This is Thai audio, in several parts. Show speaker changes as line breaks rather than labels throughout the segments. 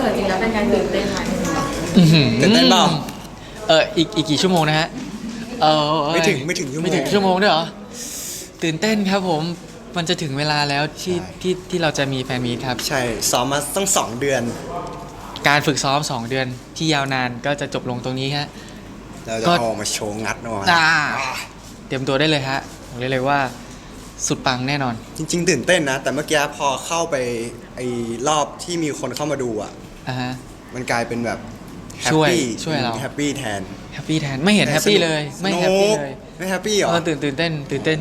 สิร์ตจริงแล้วเป็นการตื่นเต้นไหม
ตื่นเต้นเปล่า
อีกกี่ชั่วโมงนะฮะ
ไม่ถึงชั่วโมง
ไม่ถึงชั่วโมงด้วยเหรอตื่นเต้นครับผมมันจะถึงเวลาแล้วที่เราจะมีแฟนมีตครับ
ใช่ซ้อมมาตั้ง2 เดือน
การฝึกซ้อม2 เดือนที่ยาวนานก็จะจบลงตรงนี้ฮะ
เราจะเอามาโชว์งัดหน่อย
เตรียมตัวได้เลยฮะบอกได้เลยว่าสุดปังแน่นอน
จริงๆตื่นเต้นนะแต่เมื่อกี้พอเข้าไปไอ้รอบที่มีคนเข้ามาดูอ่ะมันกลายเป็นแบบ
ช่วยเรา
แฮปปี้แทน
ไม่เห็นแฮปปี้เลยไม่แฮปปี้เลย
ไม่แฮปปี้หรอ
ตื่นเต้น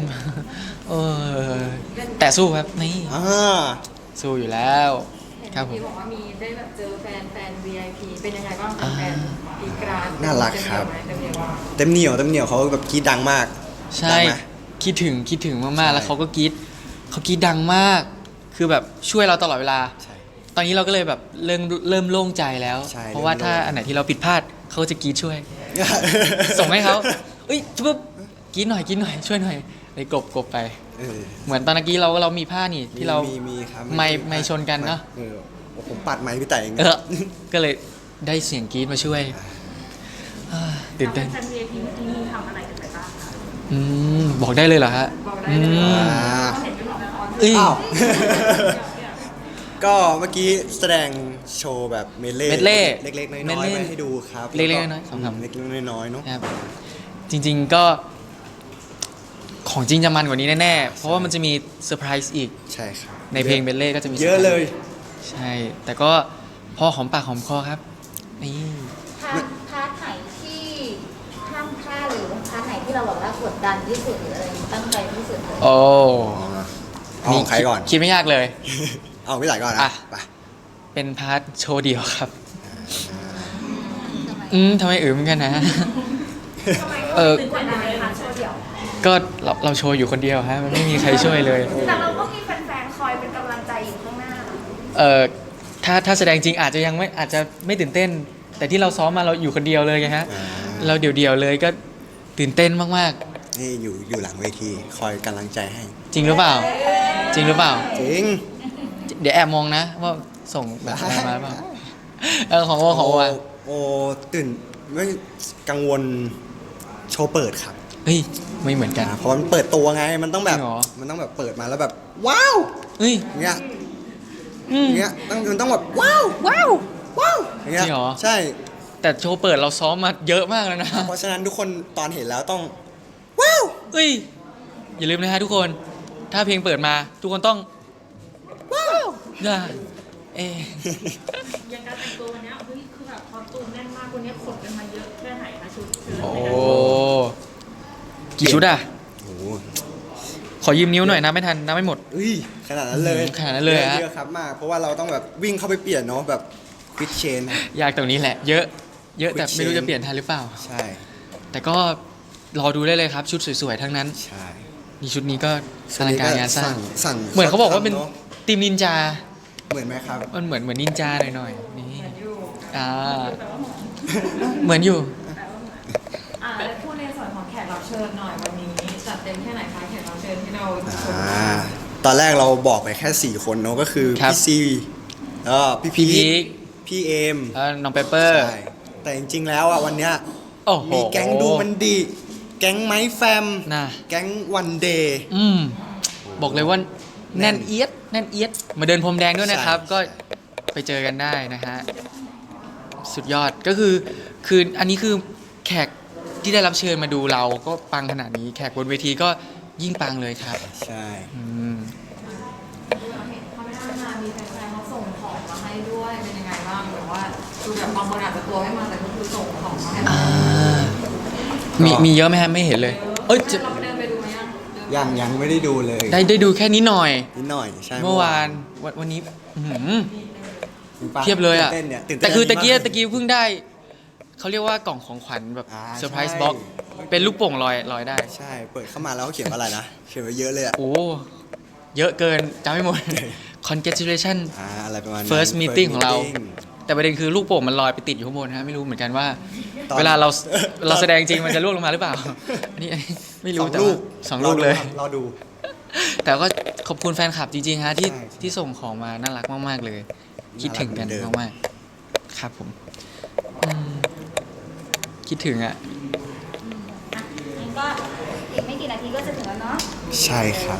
แต่สู้ครับนี่สู้อยู่แล้วครับผม
บอกว่ามีได้แบบเจอแฟน VIP เป็นยังไงบ้างแฟนอีกรา
น่ารักครับเต็มเหนียวเขาแบบกรี๊ดดังมาก
ใช่คิดถึงมากๆแล้วเขากรี๊ดดังมากคือแบบช่วยเราตลอดเวลาตอนนี้เราก็เลยแบบเริ่มโล่งใจแล้วเพราะว่าถ้าอันไหนที่เราผิดพลาดเขาจะกรี๊ดช่วยส่งให้เขาปุ๊บกรี๊ดหน่อยช่วยหน่อยเลยกบไปเหมือนตอนกี้เรามีผ้านี่ที่เรา
มีครับ
ไม่ชนกันเนาะ
ผมปัดไม้พี่แต่เอง
ก็เลยได้เสียงกรี๊ดมาช่วยตื่นเต้น
แฟน VIP ที่นี่ทำอะไรกันไปบ้าง
คะบอกได้เลยเหรอฮะ
บอกได้เลย
อ้าวก็เมื่อกี้แสดงโชว์แบบเมดเล่เล็กๆน้อยๆมาให้ดูครับ
เล็กๆน้อยๆ
เล็กๆน้อยๆเนาะ
จริงๆก็ของจริงจะมันกว่านี้แน่ๆเพราะว่ามันจะมีเซอร์ไพรส์อีก
ใช่ครับ
ในเพลงเมดเล่ก็จะมี
เยอะเลย
ใช่แต่ก็พอหอมปากหอมคอครับนี่
พาร์ทไหนที่ห้ามพลาดหรือพาร์ทไหนที่เราแบบว่ากดดันที่สุดหรืออะไรตั้งใจที่สุดเลย
เอาของใครก่อน
คิดไม่ยากเลย
เอาพี่ไหลก่อนนะไป
เป็นพาร์ทโชว์เดียวครับทำไมเหมือนกันนะ
ตื่นเต้นอะไรพาร์ทโชว์เดียว
ก็เราโชว์อยู่คนเดียวฮะมันไม่มีใครช่วยเลย
แต่เราก็มีแฟนๆคอยเป็นกำลังใจอยู่ข้างหน้า
ถ้าแสดงจริงอาจจะไม่ตื่นเต้นแต่ที่เราซ้อมมาเราอยู่คนเดียวเลยไงฮะเราเดี่ยวเลยก็ตื่นเต้นมาก
ๆนี่อยู่หลังเวทีคอยกำลังใจให้
จริงหรือเปล่า
จริง
เดี๋ยวแอบมองนะว่าส่งแบบมาเปล่าของว่า
ตื่นไม่กังวลโชว์เปิดครับ
ไม่เหมือนกัน
เพราะมันเปิดตัวไงมันต้องแบบเปิดมาแล้วแบบว้าวเงี้ยมันต้องแบบว้าวอย่างเงี้ยใช่
แต่โชว์เปิดเราซ้อมมาเยอะมากแล้วนะ
เพราะฉะนั้นทุกคนตอนเห็นแล้วต้องว้าว
อย่าลืมนะฮะทุกคนถ้าเพลงเปิดมาทุกคนต้องว้าว
อย่างการแต่งตัววันนี้คือแบบคอสตูมแน่นมากวันนี้ขนกันมาเยอะแค่ไหนคะชุด
กี่ชุดขอยืมนิ้วหน่อยนะไม่ทันนับไม่หมด
ขนาดนั้นเลยเยอะครับมากเพราะว่าเราต้องแบบวิ่งเข้าไปเปลี่ยนเนาะแบบฟิตเชน
ยากตรงนี้แหละเยอะแต่ไม่รู้จะเปลี่ยนทันหรือเปล่า
ใช่
แต่ก็รอดูได้เลยครับชุดสวยๆทั้งนั้น
ใช่
นี่ชุดนี้ก็อลังการงานสร้างเหมือนเขาบอกว่าเป็นทีมนินจา
เหมือนไหมครับ
มันเหมือนนินจาหน่อยๆนี่เหมือนอยู่
แล้วพูดในส่วนของแขกรับเชิญหน่อยวันนี้จัดเต็มแค่ไหนคะแขกรับเชิญที่เรา
ตอนแรกเราบอกไปแค่4 คนเนาะก็คือพี่ซีแล้วพี่พีคพี่เอม
น้องเปเปอร์
แต่จริงๆแล้ววันเนี้ยมีแก๊งดูมันดีแก๊งไม้แฟมแก๊งวันเดย์
บอกเลยว่าแน่นเอียดมาเดินพรมแดงด้วยนะครับก็ไปเจอกันได้นะฮะสุดยอดก็คืออันนี้คือแขกที่ได้รับเชิญมาดูเราก็ปังขนาดนี้แขกบนเวทีก็ยิ่งปังเลยครับ
ใช่
มีแฟนๆเขาส่งของมาให้ด้วยเป็นยังไงบ้างแบบว่าคือแบบบางคนอาจจะตัวไม่มาแต่ก็คือส่งของมาให้
มีเยอะไหมฮะไม่เห็นเลย
เราเดินไปดูไหม
ยังไม่ได้ดูเลย
ได้ดูแค่นิดหน่อย
ใช่
เมื่อวานวันนี้เทียบเลยแต่คือตะกี้เพิ่งได้เขาเรียกว่ากล่องของขวัญแบบเซอร์ไพรส์บ็อกซ์เป็นลูกโป่งลอยได้
ใช่เปิดเข้ามาแล้วเขาเขียนว่าอะไรนะเขียนไว้เยอะเลย
เยอะเกินจำไม่หมด congratulation
อะไรประมาณ
first meeting ของเราแต่ประเด็นคือลูกโป่งมันลอยไปติดอยู่ข้างบนฮะไม่รู้เหมือนกันว่าเวลาเราแสดงจริงมันจะล่วงลงมาหรือเปล่าอันนี้ไม่รู้แต่2 ลูกเลย
รอดู
แต่ก็ขอบคุณแฟนคลับจริงๆฮะที่ส่งของมาน่ารักมากๆเลยคิดถึงกันมากครับผมอืมคิดถึงอ่ะ
งั้นก็อีกไม่กี่นาทีก็จะถึงแล้วเนาะ
ใช่ครับ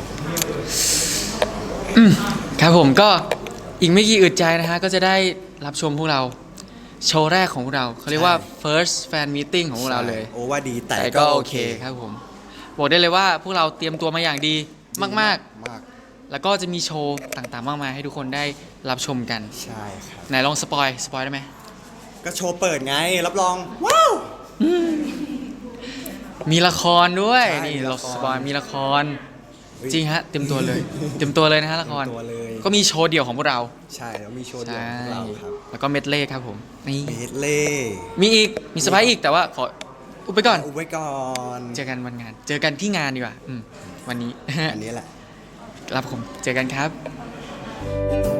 ครับผมก็อีกไม่กี่อึดใจนะฮะก็จะได้รับชมพวกเราโชว์แรกของพวกเราเขาเรียกว่า
ใช่
first fan meeting ของพวกเราเลย
โอ้ว่าดีแต่
แต่
ก็
ก็
โอ
โอ
เค
เคครับผมบอกได้เลยว่าพวกเราเตรียมตัวมาอย่างดีมาก
มาก
ๆ แล้วก็จะมีโชว์ต่างๆมากมายให้ทุกคนได้รับชมกัน
ใช่ครับ
ไหนลองสปอยได้ไหม
ก็โชว์เปิดไงรับรอง ว้าว
มีละครด้วย
ใช่
นี่
มี
เรา
ละคร
สปอยมีละคร
เฮ้ย
จริงฮะเต็มตัวเลย เต็มตัวเลยนะฮะละคร
เต็มตัวเลย
ก็มีโชว์เดี่ยวของพวกเรา
ใช่แล้วมีโชว์เดียว
ใช่
ของเราครับ
แล้วก็เมดเล่ครับผมนี่
เมดเล่
มีอีกมีสไปอีกแต่ว่าขออุบไปก่อน
อุบไว้ก่อน
เจอกันวันงาน เจอกันที่งานดีกว่าวันนี้
อันนี้แหละ
ครับผม เจอกันครับ